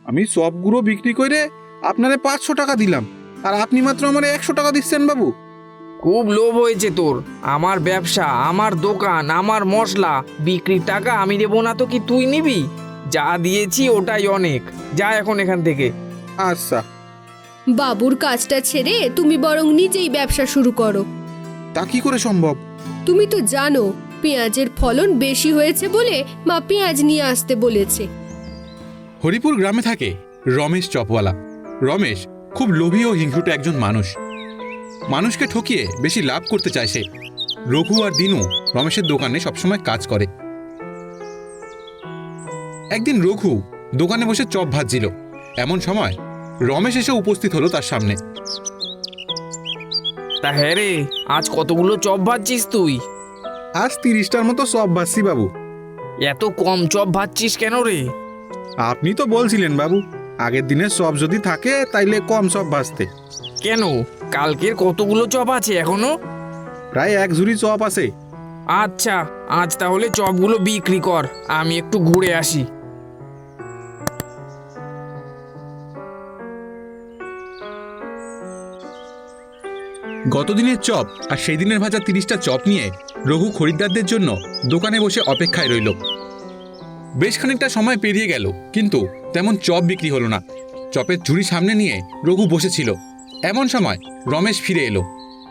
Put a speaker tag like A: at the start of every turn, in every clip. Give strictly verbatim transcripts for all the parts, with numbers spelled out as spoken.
A: আমি সবগুলো বিক্রি করে আপনারে পাঁচশো টাকা দিলাম, আর আপনি মাত্র আমার একশো টাকা দিচ্ছেন বাবু।
B: খুব লোভ হয়েছে তোর। আমার ব্যবসা, আমার দোকান, আমার মশলা, বিক্রির টাকা আমি দেবো না তো কি তুই নিবি? যা দিয়েছি ওটাই অনেক, যা এখন এখান থেকে।
A: আচ্ছা।
C: বাবুর কাজটা ছেড়ে তুমি বরং নিজেই ব্যবসা শুরু করো।
A: তা কি করে সম্ভব?
C: তুমি তো জানো পেঁয়াজের ফলন বেশি হয়েছে বলে মা পেঁয়াজ নিয়ে আসতে বলেছে।
D: হরিপুর গ্রামে থাকে রমেশ চপওয়ালা। রমেশ খুব লোভী ও হিংসুটে একজন মানুষ। মানুষকে ঠকিয়ে বেশি লাভ করতে চায় সে। রঘু আর দিনু রমেশের দোকানে সবসময় কাজ করে। একদিন রঘু দোকানে বসে চপ ভাজছিল। এমন সময় রমেশ এসে উপস্থিত হলো তার সামনে।
B: তা হ্যাঁ রে, আজ কতগুলো চপ ভাজছিস তুই?
A: আজ তিরিশটার মতো সব ভাজছি বাবু।
B: এত কম চপ ভাজছিস কেন রে?
A: আপনি তো বলছিলেন বাবু, আগের দিনের সব যদি থাকে তাইলে কম সব ভাজতে।
B: কেন, কালকের কতগুলো চপ আছে এখনো?
A: প্রায় এক ঝুড়ি চপ আছে।
B: আচ্ছা, আজ তাহলে চপগুলো বিক্রি কর, আমি একটু ঘুরে আসি।
D: গতদিনের চপ আর সেই দিনের ভাজা তিরিশটা চপ নিয়ে রঘু খরিদ্দারদের জন্য দোকানে বসে অপেক্ষায় রইল। বেশ খানিকটা সময় পেরিয়ে গেল, কিন্তু তেমন চপ বিক্রি হলো না। চপের ঝুড়ি সামনে নিয়ে রঘু বসেছিল। এমন সময় রমেশ ফিরে এলো।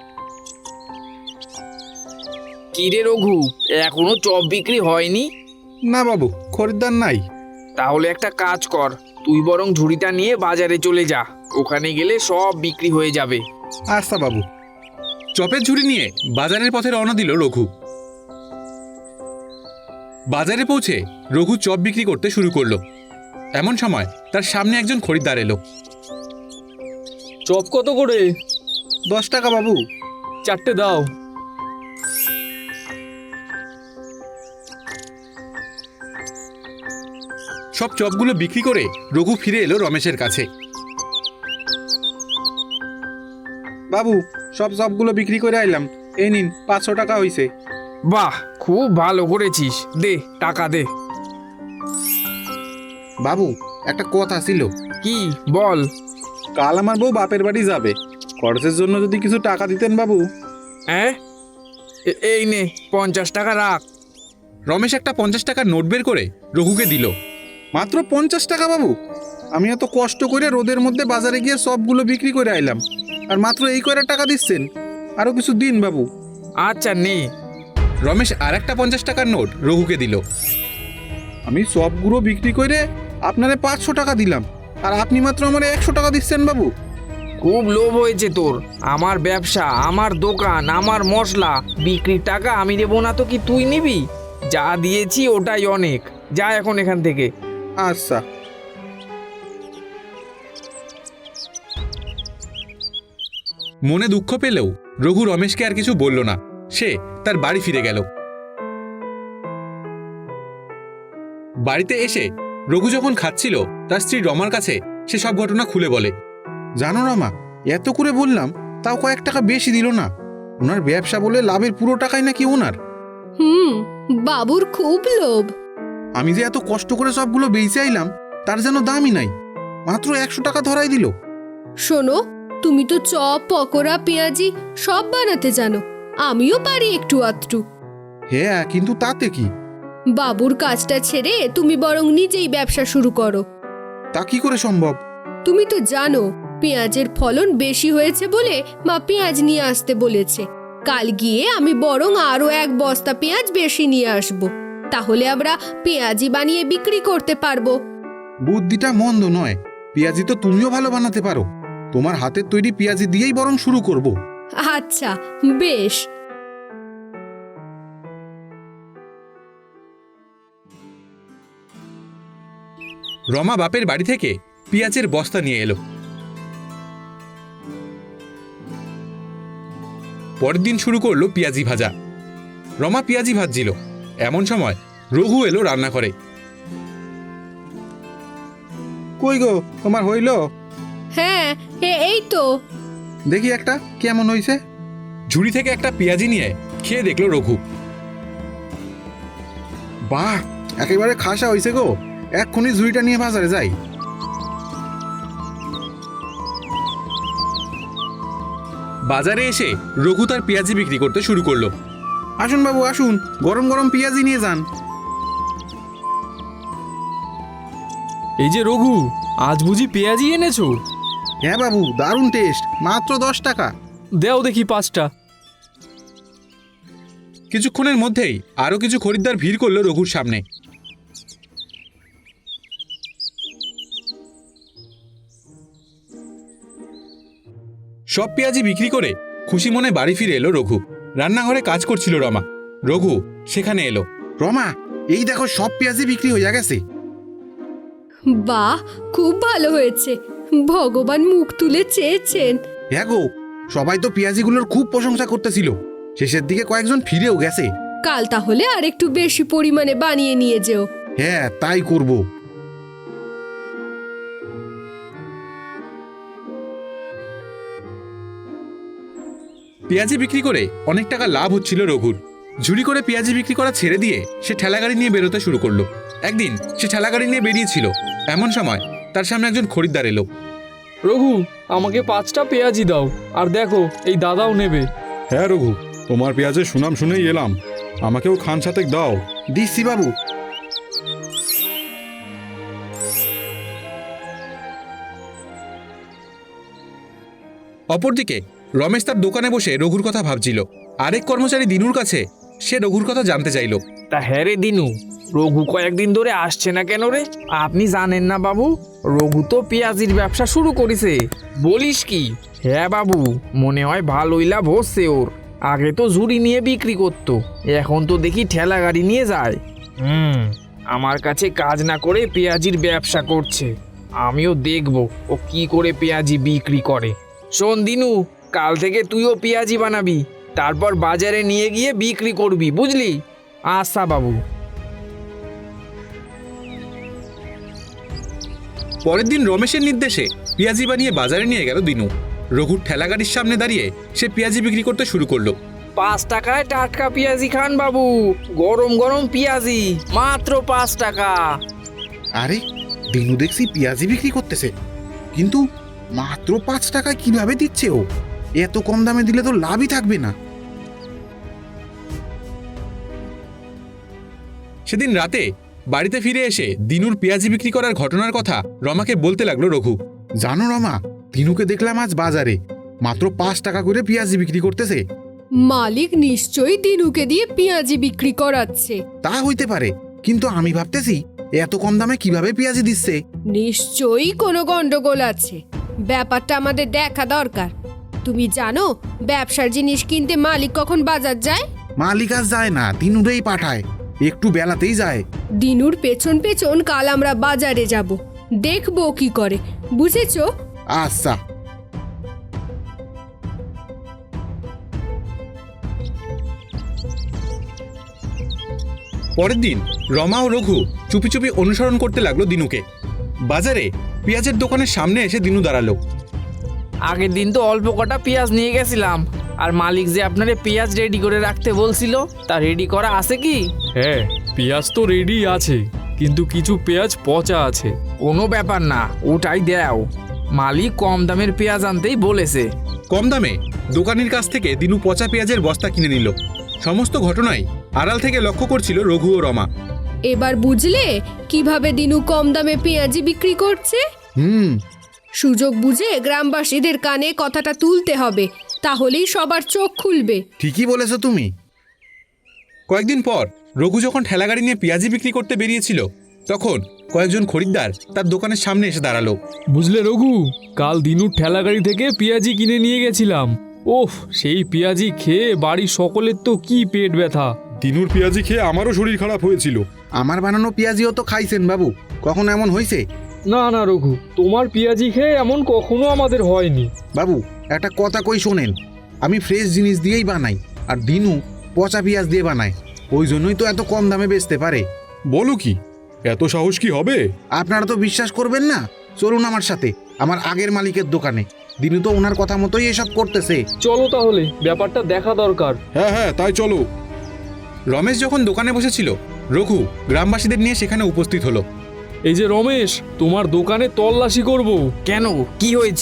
B: কি রে রঘু, এখনো চপ বিক্রি হয়নি?
A: না বাবু, খরিদ্দার নাই।
B: তাহলে একটা কাজ কর, তুই বরং ঝুড়িটা নিয়ে বাজারে চলে যা, ওখানে গেলে সব বিক্রি হয়ে যাবে।
A: আচ্ছা বাবু।
D: চপের ঝুড়ি নিয়ে বাজারের পথে রওনা দিল রঘু। বাজারে পৌঁছে রঘু চপ বিক্রি করতে শুরু করলো। এমন সময় তার সামনে একজন খরিদ্দার এলো।
B: চপ কত করে?
A: দশ টাকা বাবু।
B: চারটে দাও।
D: সব চপগুলো বিক্রি করে রঘু ফিরে এলো রমেশের কাছে।
A: বাবু, সব সবগুলো বিক্রি করে আইলাম, এই নিন পাঁচশো টাকা হইছে।
B: বাহ, খুব ভালো করেছিস, দে টাকা দে।
A: বাবু, একটা কথা ছিল।
B: কি বল?
A: কাল আমার বউ বাপের বাড়ি যাবে, খরচের জন্য যদি কিছু টাকা দিতেন বাবু।
B: হ্যাঁ, এই নে পঞ্চাশ টাকা রাখ।
D: রমেশ একটা পঞ্চাশ টাকার নোট বের করে রঘুকে দিল।
A: মাত্র পঞ্চাশ টাকা বাবু? আমি এত কষ্ট করে রোদের মধ্যে বাজারে গিয়ে সবগুলো বিক্রি করে আইলাম, আর মাত্র এই করে টাকা দিচ্ছেন? আরো কিছু দিন বাবু।
B: আচ্ছা নে।
D: রমেশ আর একটা পঞ্চাশ টাকার নোট রঘুকে দিল।
A: আমি সবগুলো বিক্রি করে আপনারে পাঁচশো টাকা দিলাম, আর আপনি মাত্র আমার একশো টাকা দিচ্ছেন বাবু।
B: খুব লোভ হয়েছে তোর। আমার ব্যবসা, আমার দোকান, আমার মশলা, বিক্রির টাকা আমি দেবো না তো কি তুই নিবি? যা দিয়েছি ওটাই অনেক, যা এখন এখান থেকে।
A: আচ্ছা।
D: মনে দুঃখ পেলেও রঘু রমেশকে আর কিছু বলল না। সে তার বাড়ি ফিরে গেল। বাড়িতে এসে রঘু যখন খাচ্ছিল, তার স্ত্রী রমার কাছে সে সব ঘটনা খুলে বলে।
A: জানো রমা, এত করে বললাম তাও কয়েক টাকা বেশি দিল না। ওনার ব্যবসা বলে লাভের পুরো টাকাই নাকি ওনার।
C: হুম, বাবুর খুব লোভ।
A: আমি যে এত কষ্ট করে সবগুলো বেঁচে আইলাম, তার যেন দামই নাই, মাত্র একশো টাকা ধরাই দিল।
C: শোনো, তুমি তো চপ, পকোড়া, পেঁয়াজি সব বানাতে জানো, আমিও পারি একটু আধটু।
A: হ্যাঁ, কিন্তু তাতে কি?
C: বাবুর কাজটা ছেড়ে তুমি বরং নিজেই ব্যবসা শুরু করো।
A: তা কি করে সম্ভব?
C: তুমি তো জানো পেঁয়াজের ফলন বেশি হয়েছে বলে মা পেঁয়াজ নিয়ে আসতে বলেছে। কাল গিয়ে আমি বরং আরো এক বস্তা পেঁয়াজ বেশি নিয়ে আসব, তাহলে আমরা পেঁয়াজি বানিয়ে বিক্রি করতে পারবো।
A: বুদ্ধিটা মন্দ নয়। পেঁয়াজি তো তুমিও ভালো বানাতে পারো। তোমার হাতের তৈরি পেঁয়াজি দিয়েই বরং শুরু করব।
C: আচ্ছা, বেশ।
D: রমা বাপের বাড়ি থেকে পেঁয়াজের বস্তা নিয়ে এলো। পরের দিন শুরু করলো পেঁয়াজি ভাজা। রমা পেঁয়াজি ভাজছিল। এমন সময় রঘু এলো রান্না করে।
A: কই গো, তোমার হইল?
C: হ্যাঁ, এই তো।
A: দেখি একটা কেমন হইছে।
D: ঝুড়ি থেকে একটা পেঁয়াজি নিয়ে খেয়ে দেখলো রঘু।
A: বাহ, একেবারে খাসা হইছে গো। এক্ষুনি ঝুড়িটা নিয়ে বাজারে যাই।
D: বাজারে এসে রঘু তার পেঁয়াজি বিক্রি করতে শুরু করলো।
A: আসুন বাবু আসুন, গরম গরম পেঁয়াজি নিয়ে যান।
E: এই যে রঘু, আজ বুঝি পেঁয়াজি এনেছো?
A: হ্যাঁ বাবু, দারুণ টেস্ট, মাত্র দশ টাকা।
E: দেও দেখি পাঁচটা।
D: কিছুক্ষণের মধ্যেই আরো কিছু খরিদ্দার ভিড় করলো রঘুর সামনে। সব পেঁয়াজি বিক্রি করে খুশি মনে বাড়ি ফিরে এলো রঘু। রান্নাঘরে কাজ করছিল রমা। রঘু সেখানে এলো।
A: রমা, এই দেখো সব পেঁয়াজি বিক্রি হয়ে গেছে।
C: বাহ, খুব ভালো হয়েছে। ভগবান মুখ তুলে চেয়েছেন।
A: হ্যাঁ গো, সবাই তো পেঁয়াজিগুলোর খুব প্রশংসা করতেছিল। শেষের দিকে কয়েকজন ফিরেও গেছে।
C: কাল তাহলে আর একটু বেশি পরিমাণে বানিয়ে নিয়ে যেও।
A: হ্যাঁ, তাই করব।
D: পেঁয়াজি বিক্রি করে অনেক টাকা লাভ হচ্ছিল রঘুর। ঝুড়ি করে পেঁয়াজি বিক্রি করা ছেড়ে দিয়ে সে ঠেলাগাড়ি নিয়ে বেরোতে শুরু করলো। একদিন সে ঠেলাগাড়ি নিয়ে বেরিয়েছিল, এমন সময় তার সামনে একজন খরিদ্দার এলো।
E: রঘু, আমাকে পাঁচটা পেঁয়াজি দাও, আর দেখো এই দাদাও নেবে।
F: হ্যাঁ রঘু, তোমার পেঁয়াজের সুনাম শুনেই এলাম, আমাকেও খান সাতেক দাও।
A: দিচ্ছি বাবু।
D: অপরদিকে রমেশ তার দোকানে বসে রঘুর কথা ভাবছিল। আরেক কর্মচারী দিনুর কাছে সে রঘুর কথা জানতে চাইল।
B: তা হ্যাঁ রে দিনু, রঘু কয়েকদিন ধরে আসছে না কেন রে? আপনি জানেন না বাবু, রঘু তো পেঁয়াজির ব্যবসা শুরু করেছে। বলিস কি? হ্যাঁ বাবু, মনে হয় ভালোই লাভ হচ্ছে ওর। আগে তো ঝুড়ি নিয়ে বিক্রি করতো, এখন তো দেখি ঠেলা গাড়ি নিয়ে যায়। হুম, আমার কাছে কাজ না করে পেঁয়াজির ব্যবসা করছে। আমিও দেখবো ও কি করে পেঁয়াজি বিক্রি করে। শোন দিনু, কাল থেকে তুইও পেঁয়াজি বানাবি, তারপর বাজারে নিয়ে গিয়ে বিক্রি করবি, বুঝলি? আচ্ছা বাবু।
D: পরের দিন রমেশের নির্দেশে পেঁয়াজি বানিয়ে বাজারে নিয়ে গেল দিনু। রঘুর ঠেলাগাড়ির সামনে দাঁড়িয়ে সে পেঁয়াজি বিক্রি করতে শুরু করলো।
B: পাঁচ টাকায় টাটকা পেঁয়াজি খান বাবু, গরম গরম পেঁয়াজি, মাত্র পাঁচ টাকা।
A: আরে, দিনু দেখছি পেঁয়াজি বিক্রি করতেছে, কিন্তু মাত্র পাঁচ টাকায় কিভাবে দিচ্ছে ও? এত কম দামে দিলে তো লাভই থাকবে না।
D: সেদিন রাতে বাড়িতে ফিরে এসে দিনুর পেঁয়াজি বিক্রি করার ঘটনার কথা রমাকে বলতে লাগলো রঘু।
A: জানো রমা, দিনুকে দেখলাম আজ বাজারে মাত্র পাঁচ টাকা করে পেঁয়াজি বিক্রি করতেছে।
C: মালিক নিশ্চয়ই দিনুকে দিয়ে পেঁয়াজি বিক্রি করাচ্ছে।
A: তা হইতে পারে, কিন্তু আমি ভাবতেছি এত কম দামে কিভাবে পেঁয়াজি দিচ্ছে।
C: নিশ্চয়ই কোনো গন্ডগোল আছে, ব্যাপারটা আমাদের দেখা দরকার। তুমি জানো ব্যবসার জিনিস কিনতে মালিক কখন বাজার যায়?
A: মালিক আজ যায় না, দিনুরেই পাঠায়, একটু বেলাতেই যায়।
C: দিনুর পেছন পেছন কাল আমরা বাজারে যাব, দেখবো কি করে, বুঝেছো?
A: আচ্ছা।
D: পরের দিন রমা ও রঘু চুপি চুপি অনুসরণ করতে লাগলো দিনুকে। বাজারে পেঁয়াজের দোকানের সামনে এসে দিনু দাঁড়ালো।
B: আগের দিন তো অল্প কটা পেঁয়াজ নিয়ে গেছিলাম, আর মালিক যে আপনারে পেঁয়াজ রেডি করে রাখতে বলছিল, তা রেডি করা আছে কি?
E: হ্যাঁ, পেঁয়াজ তো রেডি আছে, কিন্তু কিছু পেঁয়াজ পচা আছে।
B: কোনো ব্যাপার না, ওটাই দেও। মালিক কম দামের পেঁয়াজ আনতেই বলেছে।
D: কম দামে দোকানের কাছ থেকে দিনু পচা পেঁয়াজের বস্তা কিনে নিল। সমস্ত ঘটনাই আড়াল থেকে লক্ষ্য করছিল রঘু ও রমা।
C: এবার বুঝলে কিভাবে দিনু কম দামে পেঁয়াজি বিক্রি করছে?
A: হুম,
C: সুযোগ বুঝে গ্রামবাসীদের কানে কথাটা তুলতে হবে, তাহলেই সবার চোখ খুলবে।
A: ঠিকই বলেছো তুমি।
D: কয়েকদিন পর রঘু যখন ঠেলাগাড়ি নিয়ে পেঁয়াজি বিক্রি করতে বেরিয়েছিল, তখন কয়েকজন খরিদ্দার তার দোকানের সামনে এসে দাঁড়ালো।
E: বুঝলে রঘু, কাল দিনুর ঠেলাগাড়ি থেকে পেঁয়াজি কিনে নিয়ে গেছিলাম। ওফ, সেই পেঁয়াজি খেয়ে বাড়ির সকলের তো কি পেট ব্যথা।
F: দিনুর পেঁয়াজি খেয়ে আমারও শরীর খারাপ হয়েছিল।
A: আমার বানানো পেঁয়াজিও তো খাইছেন বাবু, কখন এমন হয়েছে?
E: না না রঘু, তোমার পেঁয়াজি খেয়ে এমন কখনো আমাদের হয়নি।
A: বাবু, একটা কথা কই শোনেন, আমি ফ্রেশ জিনিস দিয়েই বানাই, আর দিনু পচা পেঁয়াজ দিয়ে বানায়, ওই জন্যই তো এত কম দামে বেচতে পারে।
F: বলো কি, এত সাহস কি হবে?
A: আপনারা তো বিশ্বাস করবেন না, চলুন আমার সাথে আমার আগের মালিকের দোকানে। দিনু তো ওনার কথা মতোই এসব করতেছে।
E: চলো তাহলে, ব্যাপারটা দেখা দরকার।
F: হ্যাঁ হ্যাঁ, তাই চলো।
D: রমেশ যখন দোকানে বসেছিল, রঘু গ্রামবাসীদের নিয়ে সেখানে উপস্থিত হলো।
E: এই যে রমেশ, তোমার দোকানে তল্লাশি করব।
B: কেন, কি হয়েছে?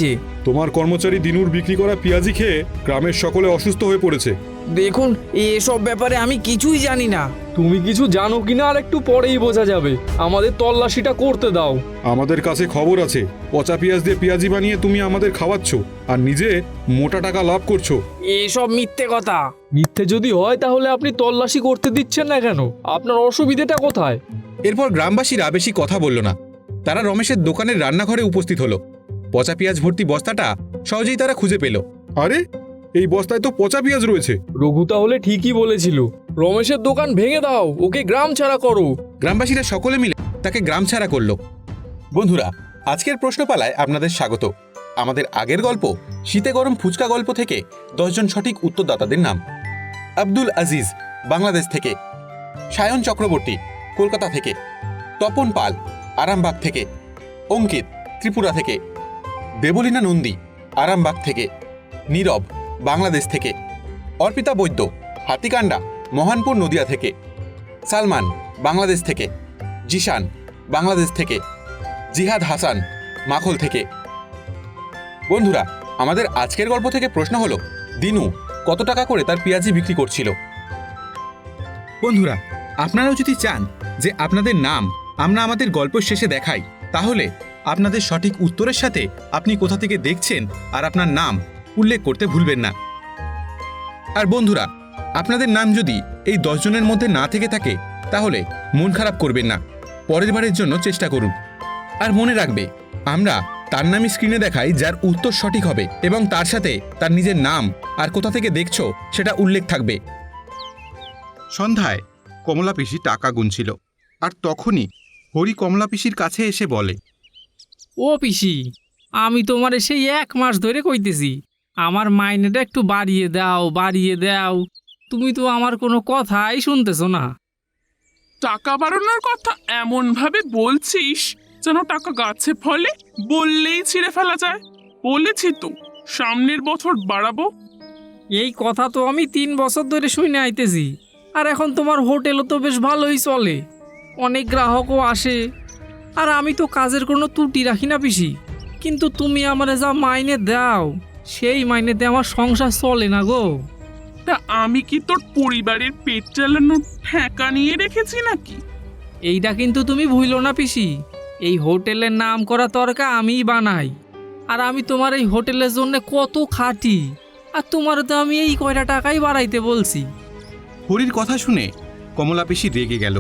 F: তোমার কর্মচারী দিনুর বিক্রি করা পেঁয়াজি খেয়ে গ্রামের সকলে অসুস্থ হয়ে পড়েছে।
B: দেখুন এসব ব্যাপারে আমি কিছুই জানি না।
E: তুমি কিছু জানো কিনা আর একটু পরেই বোঝা যাবে। আমাদের তল্লাশিটা করতে দাও।
F: আমাদের কাছে খবর আছে পচা পেঁয়াজ দিয়ে পেঁয়াজি বানিয়ে তুমি আমাদের খাওয়াচ্ছ আর নিজে মোটা টাকা লাভ করছো।
B: এসব মিথ্যে কথা।
E: মিথ্যে যদি হয় তাহলে আপনি তল্লাশি করতে দিচ্ছেন না কেন? আপনার অসুবিধাটা কোথায়?
D: এরপর গ্রামবাসীরা বেশি কথা বলল না। তারা রমেশের দোকানের রান্নাঘরে উপস্থিত হলো। পচা পেঁয়াজ ভর্তি বস্তাটা সহজেই তারা খুঁজে পেল।
F: আরে এই বস্তায় তো পচা পেঁয়াজ রয়েছে।
E: রঘু তাহলে ঠিকই বলেছিল। রমেশের দোকান ভেঙে দাও, ওকে গ্রাম ছাড়া করো।
D: গ্রামবাসীরা সকলে মিলে তাকে গ্রাম ছাড়া করল। বন্ধুরা, আজকের প্রশ্নপালায় আপনাদের স্বাগত। আমাদের আগের গল্প শীতে গরম ফুচকা গল্প থেকে দশজন সঠিক উত্তরদাতাদের নাম: আব্দুল আজিজ বাংলাদেশ থেকে, সায়ন চক্রবর্তী কলকাতা থেকে, তপন পাল আরামবাগ থেকে, অঙ্কিত ত্রিপুরা থেকে, দেবলীনা নন্দী আরামবাগ থেকে, নীরব বাংলাদেশ থেকে, অর্পিতা বৈদ্য হাতিকান্ডা মহানপুর নদিয়া থেকে, সালমান বাংলাদেশ থেকে, জিশান বাংলাদেশ থেকে, জিহাদ হাসান মাখল থেকে। বন্ধুরা, আমাদের আজকের গল্প থেকে প্রশ্ন হলো, দিনু কত টাকা করে তার পেঁয়াজি বিক্রি করছিল? বন্ধুরা, আপনারাও যদি চান যে আপনাদের নাম আমরা আমাদের গল্প শেষে দেখাই, তাহলে আপনাদের সঠিক উত্তরের সাথে আপনি কোথা থেকে দেখছেন আর আপনার নাম উল্লেখ করতে ভুলবেন না। আর বন্ধুরা, আপনাদের নাম যদি এই দশ জনের মধ্যে না থেকে থাকে তাহলে মন খারাপ করবেন না, পরের বারের জন্য চেষ্টা করুন। আর মনে রাখবে, আমরা তার নামই স্ক্রিনে দেখাই যার উত্তর সঠিক হবে এবং তার সাথে তার নিজের নাম আর কোথা থেকে দেখছো সেটা উল্লেখ থাকবে। সন্ধ্যায় কমলা পিসি টাকা গুনছিল, আর তখনই হরি কমলা পিসির কাছে এসে বলে,
G: ও পিসি, আমি তোমার সেই এক মাস ধরে কইতেছি আমার মাইনেটা একটু বাড়িয়ে দাও বাড়িয়ে দাও, তুমি তো আমার কোনো কথাই শুনতেছো না।
H: টাকা বাড়ানোর কথা এমন ভাবে বলছিস যেন টাকা গাছে ফলে, বললেই ছিঁড়ে ফেলা যায়। বলেছি তো সামনের বছর বাড়াবো।
G: এই কথা তো আমি তিন বছর ধরে শুনে আইতেছি, আর এখন তোমার হোটেলও তো বেশ ভালোই চলে, অনেক গ্রাহকও আসে, আর আমি তো কাজের কোনো ত্রুটি রাখি না পিসি। কিন্তু তুমি আমারে যা মাইনে দাও সেই মাইনেতে আমার সংসার চলে না গো।
H: তা আমি কি তোর পরিবারের পেট চালানোর ঠেকা নিয়ে রেখেছি নাকি?
G: এইটা কিন্তু তুমি ভুলো না পিসি, এই হোটেলের নাম করা তরকা আমিই বানাই, আর আমি তোমার এই হোটেলের জন্য কত খাটি, আর তোমার তো আমি এই কয়টা টাকাই বাড়াইতে বলছি।
D: হরির কথা শুনে কমলা পিসি রেগে গেল।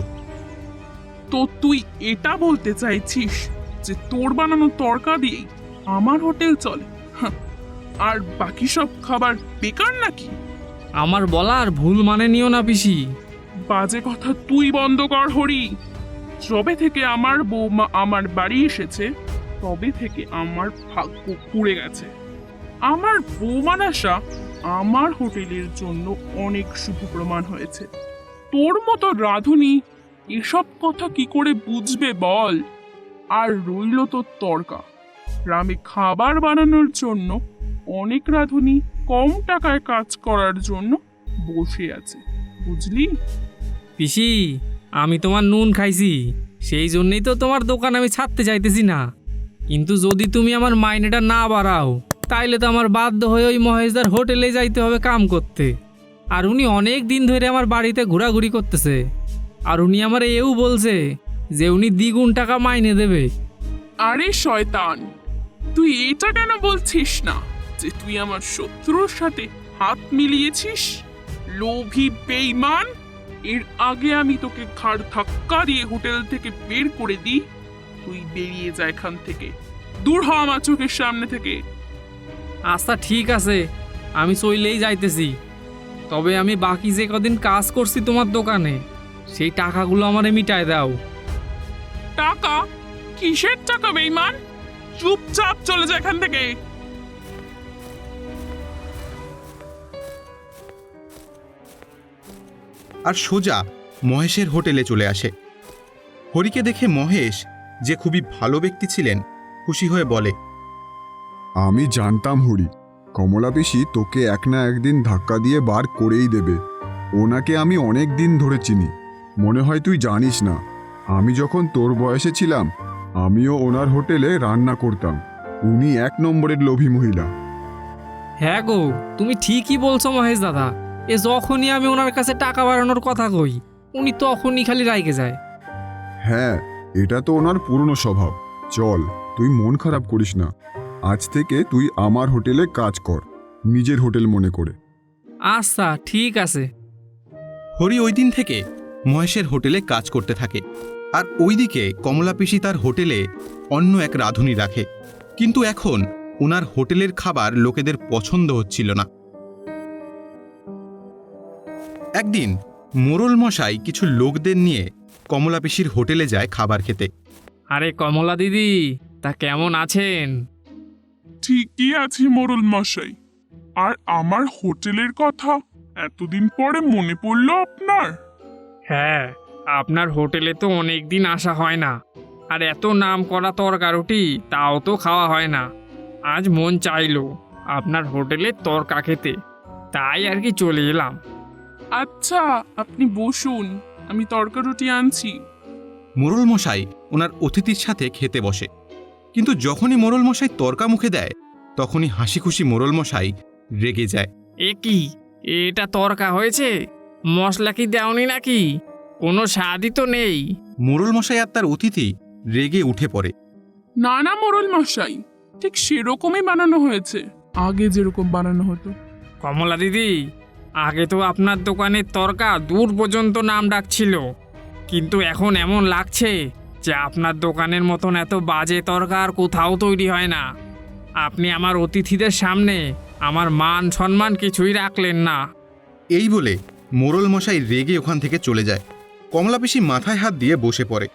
H: তো তুই এটা বলতে চাইছিস যে তোর বানানো তরকা দিয়েই আমার হোটেল চলে, হাহ, আর বাকি সব খাবার বেকার নাকি?
G: আমার বলা আর ভুল মানে নিও না পিসি।
H: বাজে কথা তুই বন্ধ কর হরি। যবে থেকে আমার বৌমা আমার বাড়ি এসেছে তবে থেকে আমার ভাগ্য পুড়ে গেছে। আমার বৌমার আশা আমার হোটেলের জন্য অনেক শুভ প্রমাণ হয়েছে। তোর মতো রাঁধুনি এসব কথা কি করে বুঝবে বল? আর রইল তোর তর্কা, গ্রামে খাবার বানানোর জন্য অনেক রাঁধুনি কম টাকায় কাজ করার জন্য বসে আছে, বুঝলি?
G: পিসি, আমি তোমার নুন খাইছি, সেই জন্যই তো তোমার দোকান আমি ছাড়তে চাইতেছি না। কিন্তু যদি তুমি আমার মাইনেটা না বাড়াও তাইলে তো আমার বাধ্য হয়ে ওই মহেশদার হোটেলে যাইতে হবে কাম করতে। আর উনি অনেক দিন ধরে আমার বাড়িতে ঘোরাঘুরি করতেছে, আর উনি আমার এও বলছে যে উনি দ্বিগুণ টাকা মাইনে দেবে।
H: আরে শয়তান, তুই এটা কেন বলছিস না যে তুই আমার শত্রুর সাথে হাত মিলিয়েছিস? লোভী বেঈমান, এর আগে আমি তোকে ঘাড় ধাক্কা দিয়ে হোটেল থেকে বের করে দিই, তুই বেরিয়ে যা এখান থেকে, দূর হ আমার চোখের সামনে থেকে।
G: আচ্ছা ঠিক আছে, আমি চইলেই যাইতেছি, তবে আমি বাকি যে কদিন কাজ করছি তোমার দোকানে সেই টাকাগুলো আমারে মিটায় দাও।
H: টাকা? কিসের টাকা বেঈমান? চুপচাপ চলে যা এখান থেকে।
D: আর সোজা মহেশের হোটেলে চলে আসে। হরিকে দেখে মহেশ, যে খুবই ভালো ব্যক্তি ছিলেন, খুশি হয়ে বলে,
I: আমি জানতাম হরি, কমলা পিসি তোকে এক না একদিন ধাক্কা দিয়ে বার করেই দেবে। ওনাকে আমি অনেক দিন ধরে চিনি, মনে হয় তুই জানিস না, আমি যখন তোর বয়সে ছিলাম আমিও ওনার হোটেলে রান্না করতাম। উনি এক নম্বরের লোভী মহিলা।
G: হ্যাঁ গো, তুমি ঠিকই বলছো মহেশ দাদা। এ যখনই আমি ওনার কাছে টাকা বাড়ানোর কথা কই, উনি তখনই খালি রাইগে যায়।
I: হ্যাঁ, এটা তো ওনার পুরনো স্বভাব। চল, তুই মন খারাপ করিস না। আজ থেকে তুই আমার হোটেলে কাজ কর, নিজের হোটেল মনে করে।
G: আচ্ছা ঠিক আছে।
D: হরি ওই দিন থেকে মহেশের হোটেলে কাজ করতে থাকে, আর ওইদিকে কমলা পিসি তার হোটেলে অন্য এক রাঁধুনি রাখে। কিন্তু এখন ওনার হোটেলের খাবার লোকেদের পছন্দ হচ্ছিল না। একদিন মোড়ল মশাই কিছু লোকদের নিয়ে কমলা পিসির হোটেলে যায় খাবার খেতে।
G: আরে কমলা দিদি, তা কেমন আছেন?
H: ঠিকই আছি মোড়ল মশাই। আর আমার হোটেলের কথা এতদিন পরে মনে পড়লো আপনার?
G: হ্যাঁ, আপনার হোটেলে তো অনেক দিন আসা হয় না, আর এত নাম করা তরকারুটি তাও তো খাওয়া হয় না। আজ মন চাইলো আপনার হোটেলে তরকা খেতে, তাই আর কি চলে এলাম।
H: আচ্ছা, আপনি বসুন, আমি তরকা রুটি আনছি।
D: মোড়ল মশাই ওনার অতিথির সাথে খেতে বসে, কিন্তু যখনই মোড়ল মশাই তর্কা মুখে দেয় তখনই হাসি খুশি মোড়ল মশাই রেগে যায়।
G: এ কি, এটা তরকা হয়েছে? মশলা কি দেওনি নাকি? কোনো স্বাদই তো নেই।
D: মোড়ল মশাই আর তার অতিথি রেগে উঠে পড়ে।
H: না না মোড়ল মশাই, ঠিক সেরকমই বানানো হয়েছে, আগে যেরকম বানানো হতো।
G: কমলা দিদি, আগে তো আপনার দোকানের তরকা দূর পর্যন্ত নাম ডাকছিল, কিন্তু এখন এমন লাগছে যে আপনার দোকানের মতন এত বাজে তরকা আর কোথাও তৈরি হয় না। আপনি আমার অতিথিদের সামনে আমার মান সম্মান কিছুই রাখলেন না।
D: এই বলে মোড়ল মশাই রেগে ওখান থেকে চলে যায়। কমলা পিসি মাথায় হাত দিয়ে বসে পড়ে।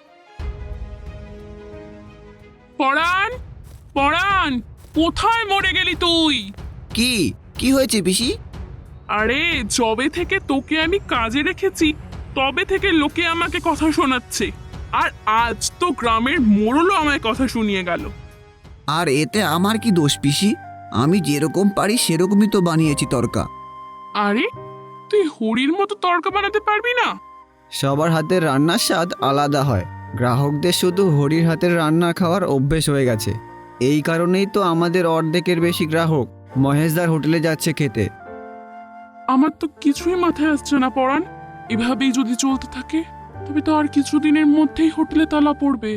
H: পরাণ, পরাণ, কোথায় মরে গেলি তুই?
J: কি কি হয়েছে পিসি?
H: আরে যবে থেকে তোকে আমি কাজে রেখেছি তবে থেকে লোকে আমাকে কথা শোনাচ্ছে, আর আজ তো গ্রামের মোড়লও আমায় কথা শুনিয়ে গেল।
J: আর এতে আমার কি দোষ পিসি? আমি যেরকম পারি সেরকমই তো বানিয়েছি তরকা।
H: আরে তুই হরির মতো তরকা বানাতে পারবি না?
J: সবার হাতের রান্নার স্বাদ আলাদা হয়। গ্রাহকদের শুধু হরির হাতের রান্না খাওয়ার অভ্যেস হয়ে গেছে। এই কারণেই তো আমাদের অর্ধেকের বেশি গ্রাহক মহেশদার হোটেলে যাচ্ছে খেতে।
H: আমার তো কিছুই মাথায় আসছে না পরাণ। এভাবেই যদি চলতে থাকে তবে তো আর কিছুদিনের মধ্যেই হোটেলে তালা পড়বে।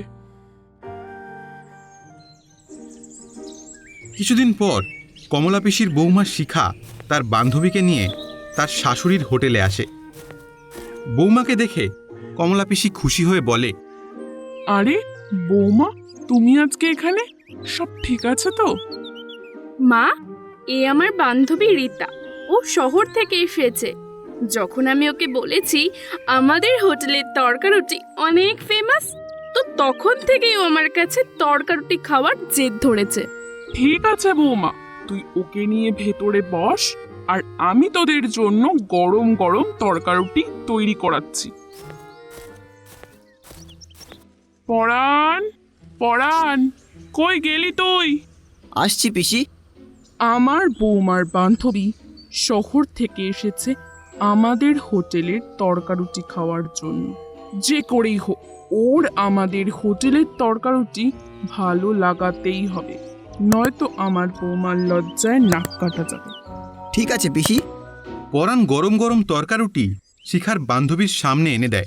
D: কিছুদিন পর কমলা পিসির বৌমা শিখা তার বান্ধবীকে নিয়ে তার শাশুড়ির হোটেলে আসে। বৌমাকে দেখে কমলা পিসি খুশি হয়ে বলে,
H: আরে বৌমা, তুমি আজকে এখানে? সব ঠিক আছে তো?
K: মা, এ আমার বান্ধবী রীতা। ও শহর থেকে এসেছে। যখন আমি ওকে বলেছি আমাদের হোটেলের তরকারুটি অনেক ফেমাস, তো তখন থেকেই ও আমার কাছে তরকারুটি খাওয়ার জেদ ধরেছে।
H: ঠিক আছে বৌমা, তুই ওকে নিয়ে ভেতরে বস, আর আমি তোদের জন্য গরম গরম তরকারুটি তৈরি করাচ্ছি। পরাণ, পরাণ, কই গেলি তুই?
J: আসছি পিসি।
H: আমার বৌমার বান্ধবী শহর থেকে এসেছে আমাদের হোটেলের তরকারুটি খাওয়ার জন্য। যে করেই হোক ওর আমাদের হোটেলের তরকারুটি ভালো লাগাতেই হবে, নয়তো আমার বৌমার লজ্জায় নাক কাটা যাবে।
J: ঠিক আছে পিসি।
D: পরাণ গরম গরম তরকারুটি শিখার বান্ধবীর সামনে এনে দেয়।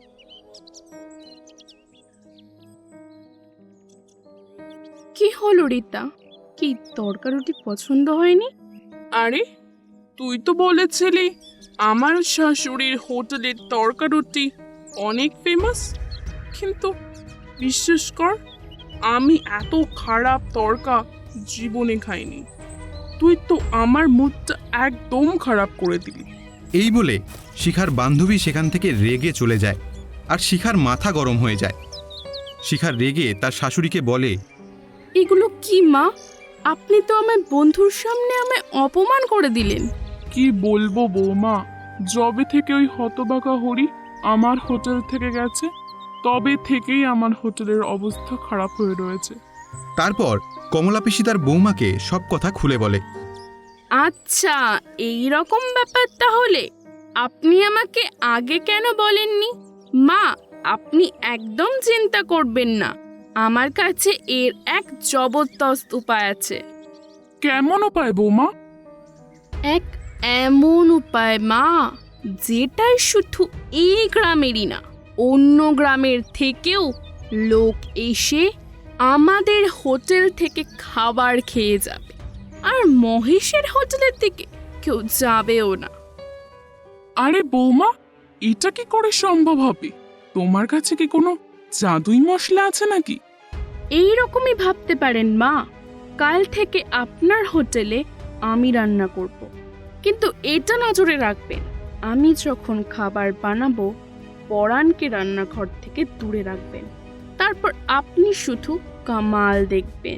K: কি হলো রীতা, কি তরকারুটি পছন্দ হয়নি?
H: আরে তুই তো বলেছিলি আমার শাশুড়ির হোটেলের তরকারুটি অনেক ফেমাস, কিন্তু বিশ্বাস কর আমি এত খারাপ তরকা জীবনে খাইনি। তুই তো আমার মুডটা একদম খারাপ করে দিলি।
D: এই বলে শিখার বান্ধবী সেখান থেকে রেগে চলে যায়, আর শিখার মাথা গরম হয়ে যায়। শিখার রেগে তার শাশুড়িকে বলে,
K: এগুলো কি মা? আপনি তো আমার বন্ধুর সামনে আমায় অপমান করে দিলেন।
H: কি বলবো বৌমা, যবে থেকে ওই হতবাকা হরি আমার হোটেল থেকে গেছে তবে থেকেই আমার হোটেলের অবস্থা খারাপ হয়ে রয়েছে।
D: তারপর কমলা পিসি তার বৌমাকে সব কথা খুলে বলে।
K: আচ্ছা, এই রকম ব্যাপার তাহলে। আপনি আমাকে আগে কেন বলেননি? মা, আপনি একদম চিন্তা করবেন না। আমার কাছে এর এক জবরদস্ত উপায় আছে।
H: কেমন উপায় বৌমা?
K: এক এমন উপায় মা, যেটাই শুধু এই গ্রামেরই না, অন্য গ্রামের থেকেও লোক এসে আমাদের হোটেল থেকে খাবার খেয়ে যাবে, আর মহেশের হোটেলের দিকে কেউ যাবেও না।
H: আরে বৌমা, এটা কি করে সম্ভব হবে? তোমার কাছে কি কোনো জাদুই মশলা আছে নাকি?
K: এই রকমই ভাবতে পারেন মা। কাল থেকে আপনার হোটেলে আমি রান্না করব, কিন্তু এটা নজরে রাখবেন, আমি যখন খাবার বানাবো পরাণকে রান্নাঘর থেকে দূরে রাখবেন, তারপর আপনি শুধু কামাল দেখবেন।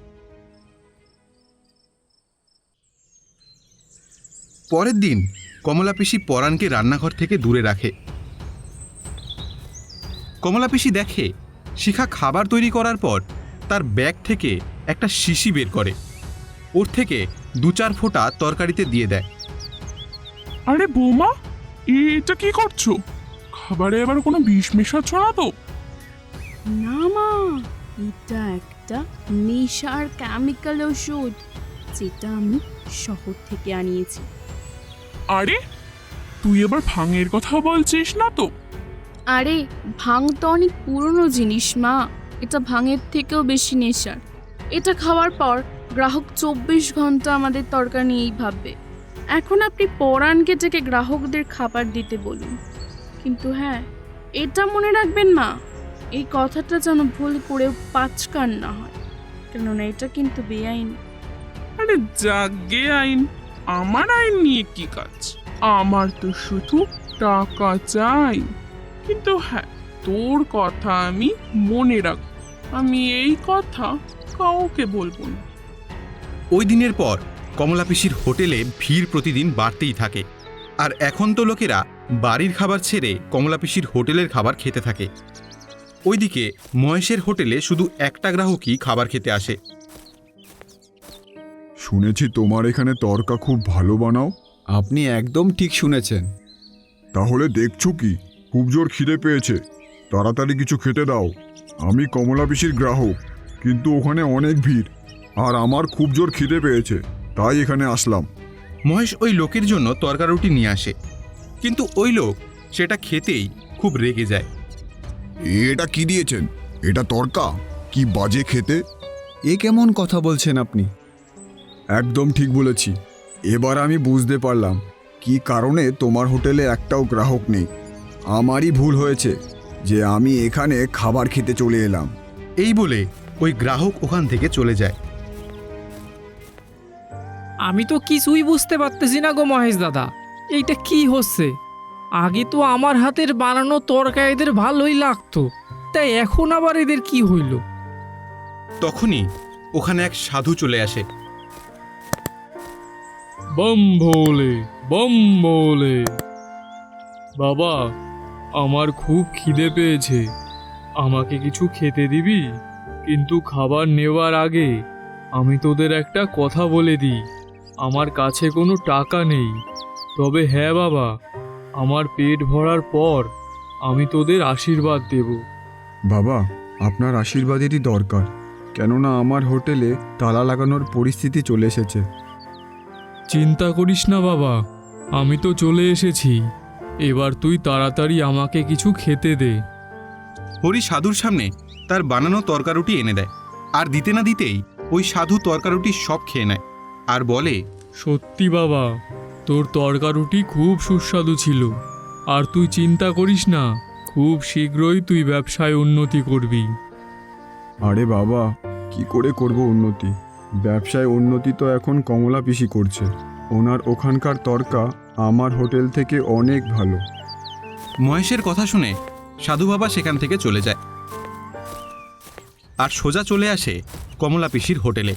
D: পরের দিন কমলা পিসি পরাণকে রান্নাঘর থেকে দূরে রাখে। কমলা পিসি দেখে শিখা খাবার তৈরি করার পর তার ব্যাগ থেকে একটা শিশি বের করে, ওর থেকে দু চার ফোঁটা তরকারিতে দিয়ে দেয়।
H: আরে বৌমা, এটা কি করছো? খাবারে আবার কোনো বিষ মেশাচ্ছ না তো?
K: না মা, এটা একটা নেশার কেমিক্যাল ওষুধ, যেটা আমি শহর থেকে আনিয়েছি।
H: আরে তুই এবার ভাঙের কথা বলছিস না তো?
K: আরে ভাং তো অনেক পুরনো জিনিস মা, এটা ভাঙের থেকেও বেশি নেশার। এটা খাওয়ার পর গ্রাহক চব্বিশ ঘন্টা আমাদের তরকারি নিয়েই ভাববে। এখন আপনি পরাণকে ডেকে গ্রাহকদের খাবার দিতে বলুন, কিন্তু হ্যাঁ, এটা মনে রাখবেন মা, এই কথাটা যেন ভুল করেও পাঁচকান না হয়, কেননা এটা কিন্তু বেআইন।
H: আরে জাগে আইন, আমার আইন নিয়ে কি কাজ? আমার তো শুধু টাকা চাই। কিন্তু হ্যাঁ, তোর কথা আমি মনে রাখ, আমি এই কথা কাউকে বলবো না।
D: ওই দিনের পর কমলা পিসির হোটেলে ভিড় প্রতিদিন বাড়তেই থাকে, আর এখন তো লোকেরা বাড়ির খাবার ছেড়ে কমলা পিসির হোটেলের খাবার খেতে থাকে। ওইদিকে মহেশের হোটেলে শুধু একটা গ্রাহকই খাবার খেতে আসে।
I: শুনেছি তোমার এখানে তরকা খুব ভালো বানাও।
J: আপনি একদম ঠিক শুনেছেন।
I: তাহলে দেখছো কি, খুব জোর খিদে পেয়েছে, তাড়াতাড়ি কিছু খেতে দাও। আমি কমলা পিসির গ্রাহক, কিন্তু ওখানে অনেক ভিড়, আর আমার খুব জোর খিদে পেয়েছে, তাই এখানে আসলাম।
D: মহেশ ওই লোকের জন্য তরকারুটি নিয়ে আসে, কিন্তু ওই লোক সেটা খেতেই খুব রেগে যায়।
I: এটা কি দিয়েছেন? এটা তরকা? কি বাজে খেতে!
J: এ কেমন কথা বলছেন আপনি?
I: একদম ঠিক বলেছি। এবার আমি বুঝতে পারলাম কি কারণে তোমার হোটেলে একটাও গ্রাহক নেই। আমারই ভুল হয়েছে যে আমি এখানে খাবার খেতে চলে এলাম।
D: এই বলে ওই গ্রাহক ওখান থেকে চলে যায়।
G: আমি তো কিছুই বুঝতে পারতেছি না গো মহেশ দাদা, এইটা কি হচ্ছে? আগে তো আমার হাতের বানানো তরকারি এদের ভালোই লাগতো, তাই এখন আবার এদের কি হইল?
D: তখনই ওখানে এক সাধু চলে আসে।
E: বম ভোলে বম ভোলে। বাবা, আমার খুব খিদে পেয়েছে, আমাকে কিছু খেতে দিবি? কিন্তু খাবার নেওয়ার আগে আমি তোদের একটা কথা বলে দিই, আমার কাছে কোনো টাকা নেই, তবে হ্যাঁ বাবা, আমার পেট ভরার পর আমি তোদের আশীর্বাদ দেব।
I: বাবা, আপনার আশীর্বাদেরই দরকার, কেননা আমার হোটেলে তালা লাগানোর পরিস্থিতি চলে এসেছে।
E: চিন্তা করিস না বাবা, আমি তো চলে এসেছি, এবার তুই তাড়াতাড়ি আমাকে কিছু খেতে দে।
D: হরি সাধুর সামনে তার বানানো তরকারুটি এনে দেয়, আর দিতে না দিতেই ওই সাধু তরকারুটি সব খেয়ে নেয় আর বলে,
E: সত্যি বাবা, তোর তরকারুটি খুব সুস্বাদু ছিল, আর তুই চিন্তা করিস না, খুব শীঘ্রই তুই ব্যবসায় উন্নতি করবি।
I: আরে বাবা, কি করে করব উন্নতি? ব্যবসায় উন্নতি তো এখন কমলা পিসি করছে, ওনার ওখানকার তরকা আমার হোটেল থেকে অনেক ভালো।
D: মহেশের কথা শুনে সাধু বাবা সেখান থেকে চলে যায় আর সোজা চলে আসে কমলা পিসির হোটেলে।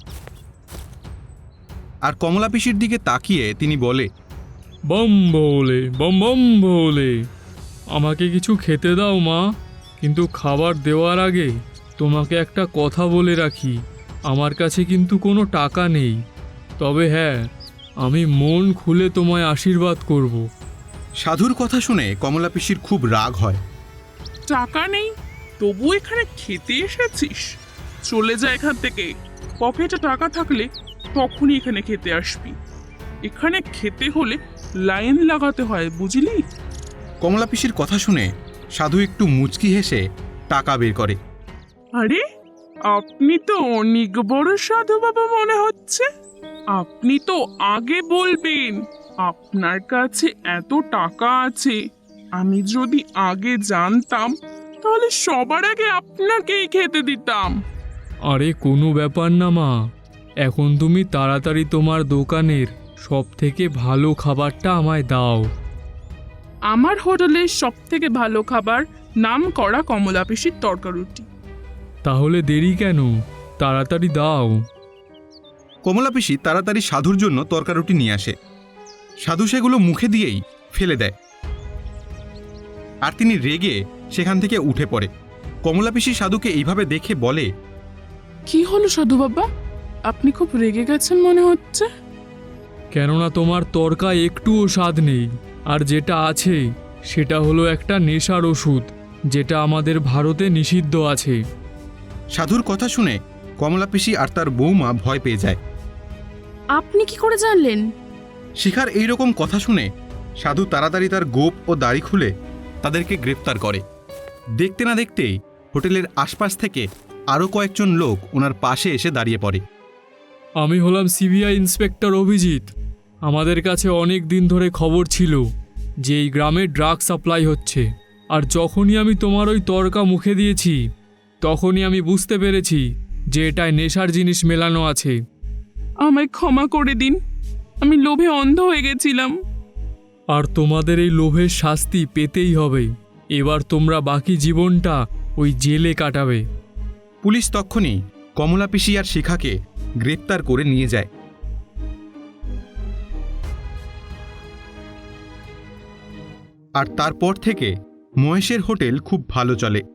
D: আর কমলা পিসির দিকে তাকিয়ে তিনি বলে,
E: বম ভোলে বম বম ভোলে, আমাকে কিছু খেতে দাও মা, কিন্তু খাবার দেওয়ার আগে তোমাকে একটা কথা বলে রাখি, আমার কাছে কিন্তু কোনো টাকা নেই, তবে হ্যাঁ, আমি মন খুলে তোমায় আশীর্বাদ করব।
D: সাধুর কথা শুনে কমলা পিসির খুব রাগ হয়।
H: টাকা নেই? তবু এখানে খেতে এসেছিস? চলে যা এখান থেকে। পকেটে টাকা থাকলে তখনই এখানে খেতে আসবি। এখানে খেতে হলে লাইন লাগাতে হয়, বুঝলি?
D: কমলা পিসির কথা শুনে সাধু একটু মুচকি হেসে টাকা বের করে।
H: আরে, আপনি তো অনেক বড় সাধু বাবা মনে হচ্ছে। আপনি তো আগে বলবেন আপনার কাছে এত টাকা আছে। আমি যদি আগে জানতাম তাহলে সবার আগে আপনাকেই খেতে দিতাম।
E: আরে কোনো ব্যাপার না মা, এখন তুমি তাড়াতাড়ি তোমার দোকানের সব থেকে ভালো খাবারটা আমায় দাও।
H: আমার হোটেলের সব থেকে ভালো খাবার নাম করা কমলা পিসির তরকারুটি।
E: তাহলে দেরি কেন, তাড়াতাড়ি দাও।
D: কমলা পিসি তাড়াতাড়ি সাধুর জন্য তরকারুটি নিয়ে আসে। সাধু সেগুলো মুখে দিয়েই ফেলে দেয়, আর তিনি রেগে সেখান থেকে উঠে পড়ে। কমলা পিসি সাধুকে এইভাবে দেখে বলে,
H: কি হলো সাধু বাবা, আপনি খুব রেগে গেছেন মনে হচ্ছে।
E: কেননা তোমার তরকা একটুও স্বাদ নেই, আর যেটা আছে সেটা হলো একটা নেশার ওষুধ, যেটা আমাদের ভারতে নিষিদ্ধ আছে।
D: সাধুর কথা শুনে কমলা পিসি আর তার বৌমা ভয় পেয়ে যায়।
K: আপনি কি করে জানলেন?
D: শিখার এইরকম কথা শুনে সাধু তাড়াতাড়ি তার গোপ ও দাড়ি খুলে তাদেরকে গ্রেপ্তার করে। দেখতে না দেখতেই হোটেলের আশপাশ থেকে আরও কয়েকজন লোক ওনার পাশে এসে দাঁড়িয়ে পড়ে।
E: আমি হলাম সিবিআই ইন্সপেক্টর অভিজিৎ। আমাদের কাছে অনেক দিন ধরে খবর ছিল যে এই গ্রামে ড্রাগ সাপ্লাই হচ্ছে, আর যখনই আমি তোমার ওই তরকা মুখে দিয়েছি তখনই আমি বুঝতে পেরেছি যে এটায় নেশার জিনিস মেলানো আছে।
H: আমায় ক্ষমা করে দিন, আমি লোভে অন্ধ হয়ে গেছিলাম।
E: আর তোমাদের এই লোভের শাস্তি পেতেই হবে। এবার তোমরা বাকি জীবনটা ওই জেলে কাটাবে।
D: পুলিশ তক্ষুনি কমলা পিসি আর শিখাকে গ্রেপ্তার করে নিয়ে যায়। আর তারপর থেকে মহেশের হোটেল খুব ভালো চলে।